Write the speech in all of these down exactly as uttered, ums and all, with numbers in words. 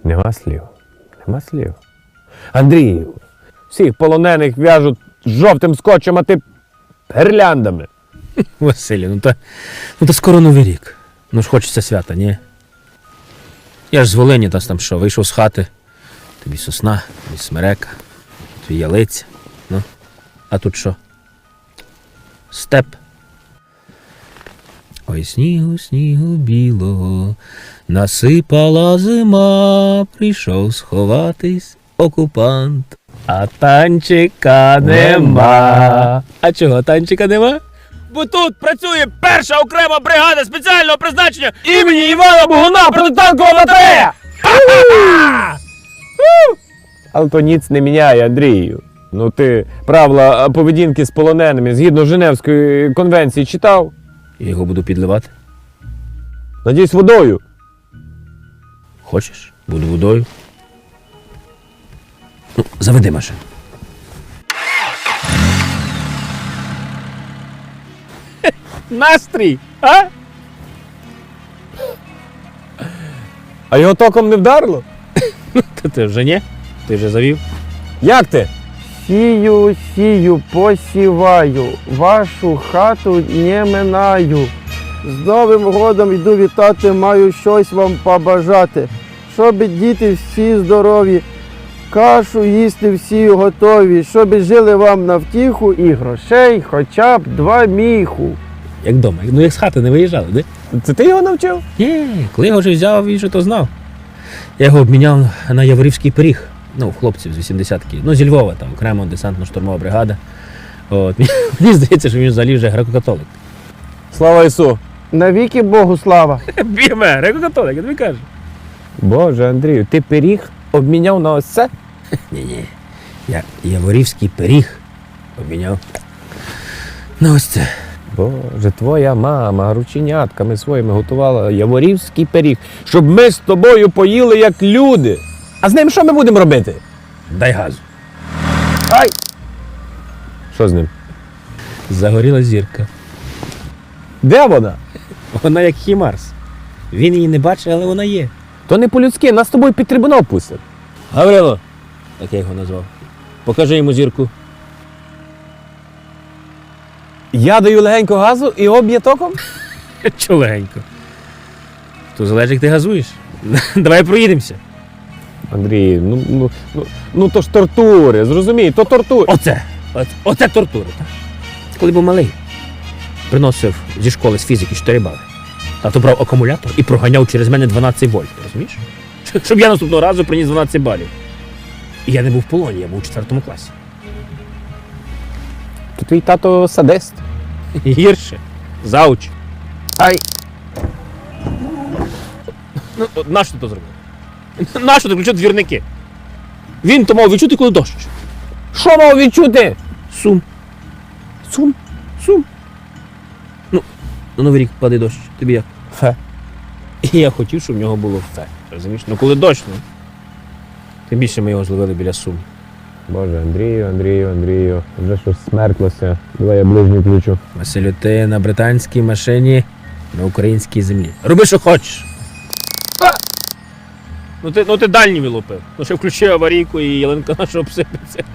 Нема слів. Нема слів. Андрію, всіх полонених в'яжуть жовтим скотчем, а ти гірляндами. Василю, ну та, ну та скоро Новий рік. Ну ж хочеться свята, ні? Я ж з Волині, та там що, вийшов з хати. Тобі сосна, тобі смерека, тобі ялиця. Ну, а тут що? Степ. Ой, снігу, снігу білого, насипала зима, прийшов сховатись окупант. А танчика нема. А чого танчика нема? Бо тут працює перша окрема бригада спеціального призначення імені Івана Богуна протитанкова батарея! Але то ніц не міняє, Андрію. Ну ти правила поведінки з полоненими згідно Женевської конвенції читав? Я його буду підливати. Надіюсь, водою. Хочеш? Буду водою. Ну, заведи машину. Настрій, а? А його током не вдарило? Та ти вже ні? Ти вже завів? Як ти? Сію, сію, посіваю, вашу хату не минаю. З Новим годом йду вітати, маю щось вам побажати. Щоб діти всі здорові, кашу їсти всі готові, щоб жили вам на втіху і грошей хоча б два міху. Як вдома. Ну як з хати не виїжджали, де? Це ти його навчив? Ні, коли я його вже взяв, він же то знав. Я його обміняв на Яворівський пиріг. Ну, у хлопців з вісімдесятки. Ну, зі Львова, там, окремо десантно-штурмова бригада. От. Мені здається, що він взагалі вже греко-католик. Слава Ісу! Навіки Богу слава! Біме, греко-католик, я тобі кажу. Боже, Андрію, ти пиріг обміняв на ось це? Ні-ні, я Яворівський пиріг обміняв на ось це. Боже, твоя мама рученятками своїми готувала яворівський пиріг, щоб ми з тобою поїли як люди. А з ним що ми будемо робити? Дай газу. Ай! Що з ним? Загоріла зірка. Де вона? Вона як Хімарс. Він її не бачить, але вона є. То не по-людськи, нас з тобою під трибунал пустять. Гаврило, так я його назвав. Покажи йому зірку. Я даю легенько газу і об'є током? Чо легенько? То залежить, як ти газуєш. Давай проїдемося. Андрій, ну, ну, ну, ну то ж тортури, зрозумій, то тортури. Оце, оце, оце тортури. Так? Коли був малий, приносив зі школи з фізики чотири бали. Тато брав акумулятор і проганяв через мене дванадцять вольт, розумієш? Щоб я наступного разу приніс дванадцять балів. І я не був в полоні, я був у четвертому класі. То твій тато садист. Гірше. Зауч. Ай! Ну, от нащо ти то зробив? Нащо ти включив двірники? Він то мав відчути, коли дощ. Що мав відчути? Сум. Сум. Сум. Ну, на Новий рік падає дощ. Тобі як? Фе. І я хотів, щоб в нього було фе. Розумієш? Ну коли дощ, ну. Тим більше ми його зловили біля Сум. Боже, Андрію, Андрію, Андрію, вже щось смерклося. Давай я ближню включу. Василю, ти на британській машині на українській землі. Роби, що хочеш. Ну ти, ну ти дальні вилупив. Ну ще включи аварійку і ялинка наша обсипеться.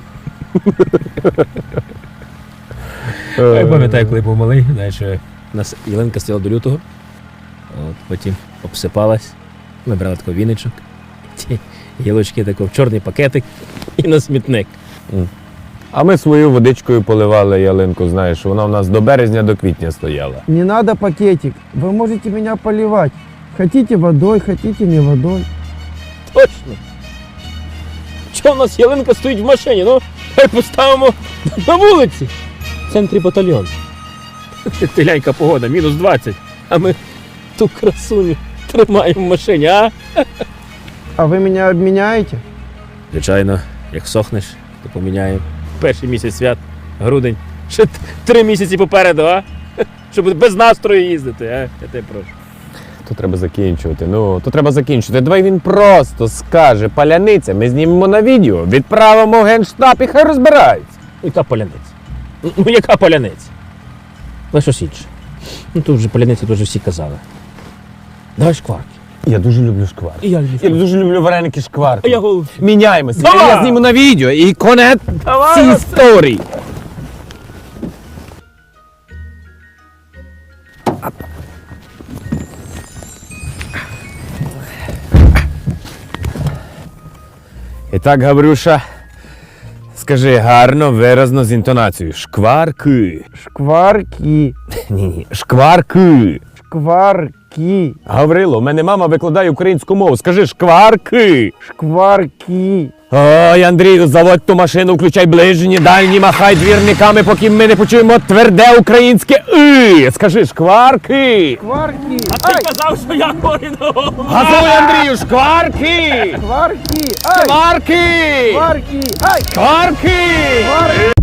Я пам'ятаю, коли був малий, знаєш, що у нас ялинка стояла до лютого, от, потім обсипалась, ми брали такий віничок, ті ялочки тако в чорний пакетик і на смітник. А ми свою водичкою поливали ялинку, знаєш, вона у нас до березня, до квітня стояла. Не надо пакетик, вы можете меня поливать. Хотите водой, хотите не водой. Точно! Чого у нас ялинка стоїть в машині? Ну, хай поставимо на вулиці. В центрі батальйон. Теляйка погода, мінус двадцять. А ми ту красуню тримаємо в машині, а? А вы меня обменяете? Звичайно, як сохнеш, то поміняємо. Перший місяць свят, грудень. Ще т- три місяці попереду, а? Щоб без настрою їздити, а? Я тебе прошу. То треба закінчувати, ну, то треба закінчувати. Давай він просто скаже паляниця, ми знімемо на відео, відправимо в Генштаб і хай розбираються. Ну, яка паляниця? Ну, ну, яка паляниця? Ну, щось інше. Ну, тут вже паляниця, тут вже всі казали. Давай шкварки. Я дуже люблю шкварки. І я люблю Я дуже люблю вареники шкварки. А я голуб. Міняємося. Давай! Я зніму на відео і конець Давай, цій Василь! історії. І так, Гаврюша, скажи гарно, виразно з інтонацією. Шкварки. Шкварки, Ні-ні, шкварки. шкварки, Гаврило, у мене мама викладає українську мову. Скажи шкварки. шкварки. Ой, Андрію, заводь ту машину, включай ближні, дальні, махай двірниками, поки ми не почуємо тверде українське «и». Скажи шкварки. Шкварки. Ти казав, що я корінного. Газуй, Андрію, шкварки. Шкварки. Ай. Шкварки. Шкварки. Ай. Шкварки. Шкварки.